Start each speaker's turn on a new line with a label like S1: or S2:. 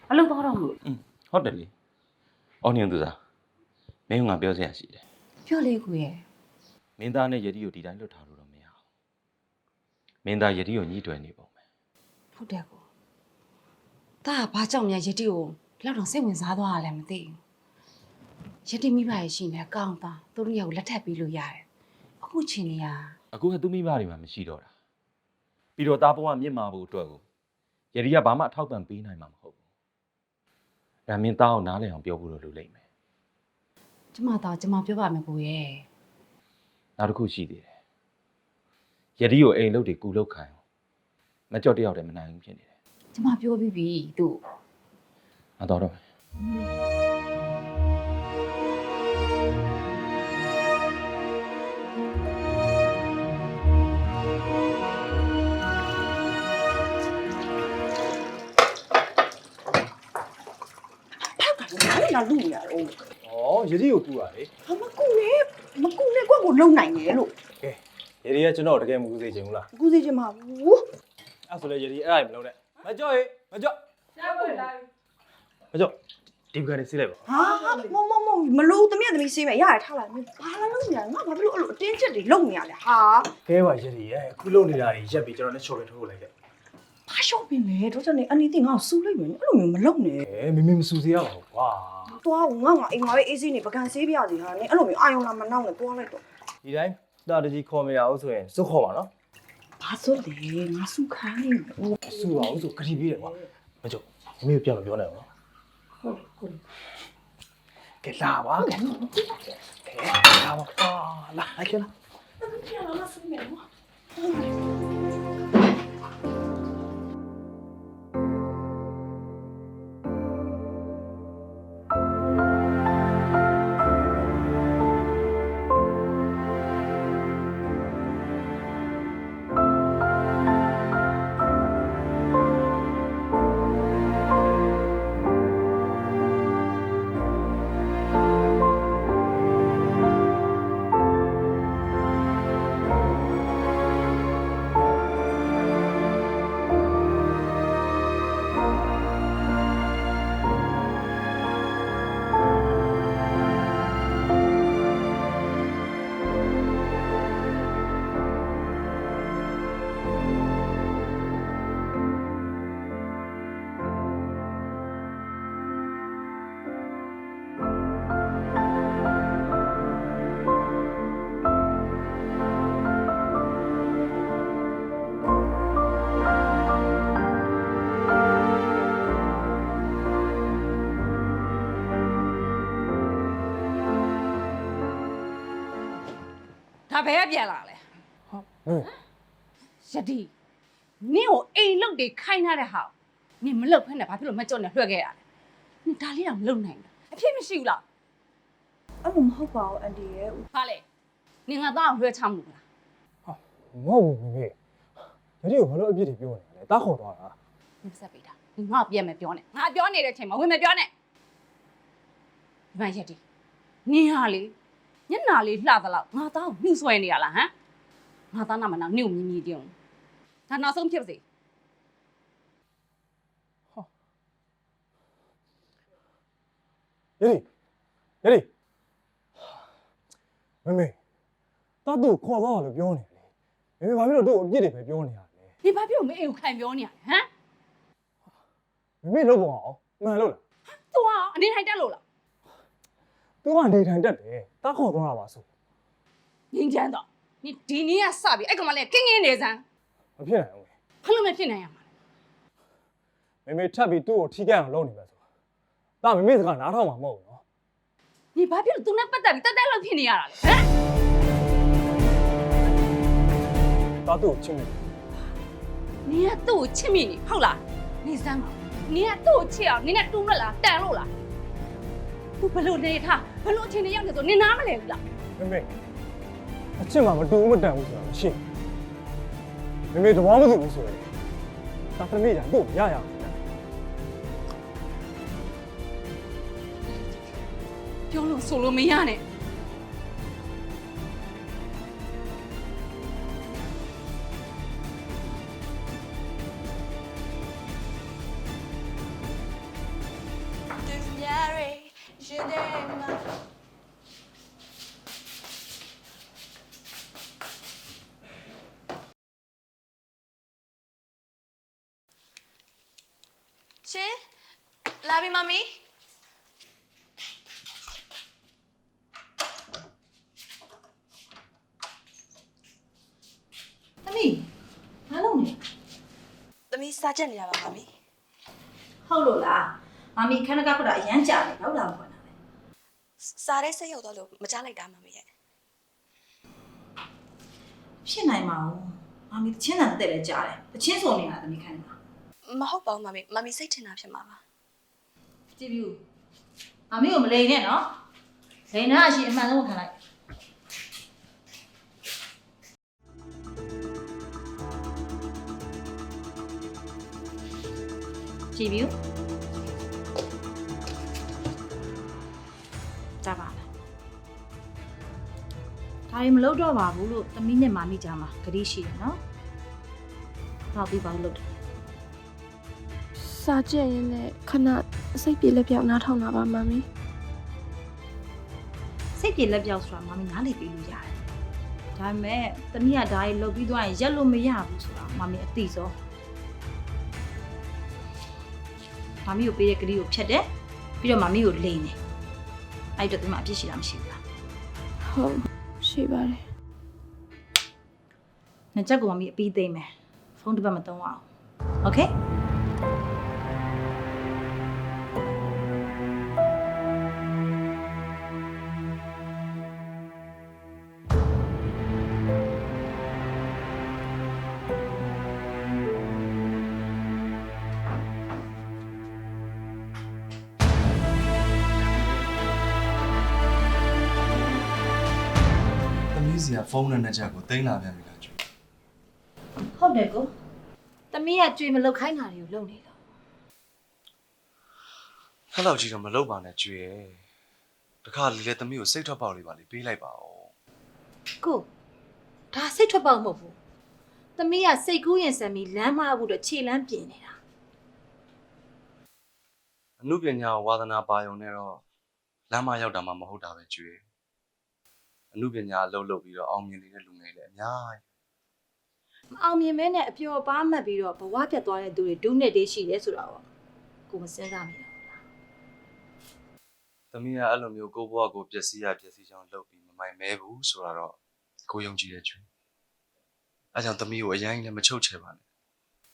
S1: အလုပ်သွားတော့မလို့
S2: ဟုတ်တယ်လေအော်ညင်သူသားမင်းကငါပြောစရာရှိတယ်
S1: ပြောလေကိုရဲ့
S2: မင်းသားနဲ့ယတိကိုဒီတိုင်းလွတ်ထားလို့တော့မရဘူးမင်းသားယတိကိုညှိတွယ်နေပုံပဲ
S1: ဟုတ်တယ်ကိုဒါကဘာကြောင့်များယတိကိုလောက်တော့စိတ်ဝင်စားသွားရလဲမသိဘူးယတိမိဘရဲ့ရှိနေကောင်းသားသူတို့ရဲ့ကိုလက်ထပ်ပြီးလို့ရတယ်အခုချိန်နေရ
S2: အခုကသူ့မိဘတွေမှာမရှိတော့တာပြီးတော့သားဘဝမြင့်မာဖို့အတွက်ကိုယတိကဘာမှအထောက်ပံ့ပေးနိုင်မှာမဟုတ်ဘူးဒါမင်းသားကိုနားလည်အောင်ပြောဖို့လိုလိမ့်မယ်
S1: ကျမပြောပါမယ်ကိုရဲ့
S2: နောက်တစ်ခုရှိသေးတယ်ယတိကိုအိမ်လုပ်တွေကူလုပ်ခိုင်းမကြော့တယောက်တည်းမနိုင်ဘူးဖြစ်နေတယ်
S1: ကျမပြောပြီးပြီသူ့
S2: ငါတော့တော့မယ်
S3: အဲ့ဒါလူရတော့
S4: ဩယတိကိုကူရလေ
S3: ဟာမကူနဲ့ကွက်ကိုလုံနိုင်တယ်လို့
S4: ကဲယတိကကျွန်တော်တကယ်မကူစေချင်ဘူးလား
S3: ကူစီချင်မှာဘူး
S4: အဲ့ဆိုလေယတိအဲ့ဒါမလုပ်နဲ့မကြော့ရေမကြော့မကြော့ဒီဘက်ကနေစီးလိုက်ပါ
S3: ဟာမလို့တမီးစေးမယ်ရရထားလိုက်ဘာလာလို့ညာငါဘာဖြစ်လို့အဲ့လိုအတင်းချက်တွေလုံနေရလဲဟာ
S4: ကဲပါယတိရဲ့အခုလုံနေတာကြီးရက်ပြီးကျွန်တော်နဲ့ချော်ရထိုးလိုက်ခဲ့
S3: ဘာရှော့ပင်လဲတော့ကျွန်တော်အန်နီတင်ငါ့ကိုစူးလိုက်မယ်အဲ့လိုမျိုးမလုံနဲ့
S4: မမေမစူစေရပါဘူးကွာ
S3: သွားငါအိမ်မှာပဲအေးစေးနေပကံစေးပြစီဟာနင်အဲ့လိုမျိုးအာယုံလာမနောက်နဲ့သွားလိုက်တော့
S4: ဒီတိုင်းတာတကြီးခေါ်မရအောင်ဆိုရင်စုခေါ်ပါနော်
S3: ဘာဆိုလဲငါစူးခိုင်းနေဘူး
S4: စူပါအောင်ဆိုခတိပြီးတယ်ကွာမကြော့မမေကိုပြန်မပြောနဲ့နော်
S3: ဟုတ်
S4: ကဲလာပါကဲလာပါလာလိုက်ခဲ့လား
S1: ဒါဘယ်ကပြန်လာလဲ
S4: ဟမ်
S1: ယတိနင့်ကိုအိမ်လုတ်တွေခိုင်းထားတဲ့ဟာနင်မလုတ်ဖက်နဲ့ဘာဖြစ်လို့မကြော့နဲ့လွှတ်ခဲ့ရလဲနင်ဒါလေးတော့မလုတ်နိုင်ဘူးအဖြစ်မရှိဘူးလား
S3: အဲ့လိုမဟုတ်ပါဘူးအန်တီရဲ့
S1: ဘာလဲနင်ငါသားကိုလွှဲချမှုလား
S4: မဟုတ်ဘူးမေယတိကိုဘာလို့အပြစ်တွေပြောနေလဲတားခေါ်သွားတာ
S1: နင်ဆက်ပေးတာနင်ငါ့ကိုပြန်မပြောနဲ့ငါပြောနေတဲ့အချိန်မှာဝင်မပြောနဲ့ဒီမှာယတိနင်ဟာလေညနာလေးလှသလောက်ငါသားကိုနှူးဆွဲနေရလားဟမ်ငါသားနာမနာနင့်ကိုမြည်မြည်တင်းဒါနောက်ဆုံးဖြစ်ပါစေ
S4: ယတိမမေတားသူ့ခေါ်သွားတယ်လို့ပြောနေတယ်မမေဘာဖြစ်လို့သူ့အပြစ်တွေပဲပြောနေရလဲ
S1: နင်ဘာဖြစ်လို့မအိမ်ကိုခံပြောနေရလဲဟမ်
S4: မမေလုပ်ပါအောင်မှန်လို့လား
S1: သူကအနေထိုင်တက်လို့လား
S4: သူကနေထိုင်တက်တယ်တားခေါ်သွားတာပါဆို
S1: ငင်းချမ်းတော့နင်ဒီနေ့ကစပြီအဲ့ကောင်မလေးကင်းနေစမ်း
S4: မဖြစ်နိုင်ဘူး
S1: ဘာလို့မဖြစ်နိုင်ရမှာလဲ
S4: မမေထပ်ပြီးသူ့ကိုထိကြအောင်လုပ်နေမှာဆိုတာမမေစကားနားထောင်မှာမဟုတ်ဘူးနော်
S1: နင်ဘာဖြစ်လို့သူနဲ့ပတ်သက်ပြီးတက်တက်လောက်ဖြစ်နေရတာလဲဟမ်
S4: တားသူ့ကိုချင်းနေ
S1: နင်ကသူ့ကိုချစ်မိနေဟုတ်လားနင်စမ်းပါနင်ကသူ့ကိုချစ်အောင်နင်နဲ့တူးမလားတန်လို့လားသူဘလို့နေထားဘလို့အချင်းတွေရောက်နေဆိုနင်နားမလဲဘူးလား
S4: မမေအချစ်မှမတူဘူးမတန်ဘူးဆိုတာမရှိမမေသဘောမတူဘူးဆိုရင်တာသမီးကသူ့ကိုရရအောင်
S1: ပြောလို့ဆိုလို့မရနဲ့
S3: ရှင်လာပြီမမီသမီးဘာလုပ်နေသမီးစားချက်နေရပါမမီဟုတ်လို့လားမမီခဏကခုတော့အရန်ကြာနေတော့လာမခွန်းတာပဲစားတဲ့စိတ်ရောက်တော့လို့မကြားလိုက်တာမမီရဲ့ဖြစ်နိုင်မှာမမီတချင်းတန်တဲ့လည်းကြားတယ်တချင်းစုံနေတာသမီးခိုင်းမှာမဟုတ်ပါဘူးမမီစိတ်ထင်တာဖြစ်မှာပါကြည့်ဘူးမမီကိုမလိန်နဲ့နော်လိန်နာအရှိအမှန်ဆုံးခံလိုက်ကြည့်ဘူးကြပါလားဒါရီမလုပ်တော့ပါဘူးလို့သမီးနဲ့မမီကြားမှာဂတိရှိတယ်နော်တော့ပြီးပါလို့လုပ်တယ်
S5: စာကြည့်ရင်လည်းခဏစိတ်ပြေလက်ပြောက်နားထောင်တာပါမမီ
S3: စိတ်ပြေလက်ပြောက်ဆိုတာမမီနားလေပြီးလို့ရတယ်ဒါပေမဲ့သမီးကဒါရီလုပ်ပြီးသွားရင်ရက်လို့မရဘူးဆိုတာမမီအသိဆုံးမမီကိုပေးတဲ့ဂတိကိုဖြတ်တယ်ပြီးတော့မမီကိုလိန်တယ်အဲ့တော့ဒီမှာအပြစ်ရှိတာမရှိဘူးလား
S5: ဟုတ်ရှိပါတယ်
S3: နှစ်ချက်ကိုမမီအပြီးသိမ့်မယ်ဖုန်းတစ်ပတ်မသုံးအောင်โอเค
S6: သမီးစီကဖုန်းနဲ့ချက်ကိုတင်လာပြန်ပြီလားကျွေး
S3: ဟုတ်တယ်ကိုသမီးကကြွေမလုတ်ခိုင်းတာတွေကိုလုပ်နေတော့
S6: ခက်လောက်ကြီးတော့မလုပ်ပါနဲ့ကျွေးရဲ့တခါလေလေသမီးကိုစိတ်ထွက်ပေါက်လေးပါလေပေးလိုက်ပါဦး
S3: ကိုဒါစိတ်ထွက်ပေါက်မဟုတ်ဘူးသမီးကစိတ်ကူးရင်ဆံပြီးလမ်းမဖို့တော့ခြေလမ်းပြင်နေတာ
S6: အမှုပညာဝါသနာပါယုံနဲ့တော့လမ်းမရောက်တာမှမဟုတ်တာပဲကျွေးအမှုပညာအလုပ်လုပ်ပြီးတော့အောင်မြင်နေတဲ့လူငယ်တွေအများကြီး
S3: မအောင်မြင်မဲနဲ့အပျော်ပါမှတ်ပြီးတော့ဘဝပြတ်သွားတဲ့သူတွေဒုနဲ့တေးရှိတယ်ဆိုတော့ကိုမစင်းစားမိတော့ဘူးလား
S6: သမီးကအဲ့လိုမျိုးကိုယ့်ဘဝကိုပျက်စီးရပျက်စီးချောင်းလုပ်ပြီးမမိုင်မဲဘူးဆိုတာတော့ကိုယုံကြည်တဲ့ကျွေးအဲကြောင့်သမီးကိုအရင်လည်းမချုပ်ချယ်ပါနဲ့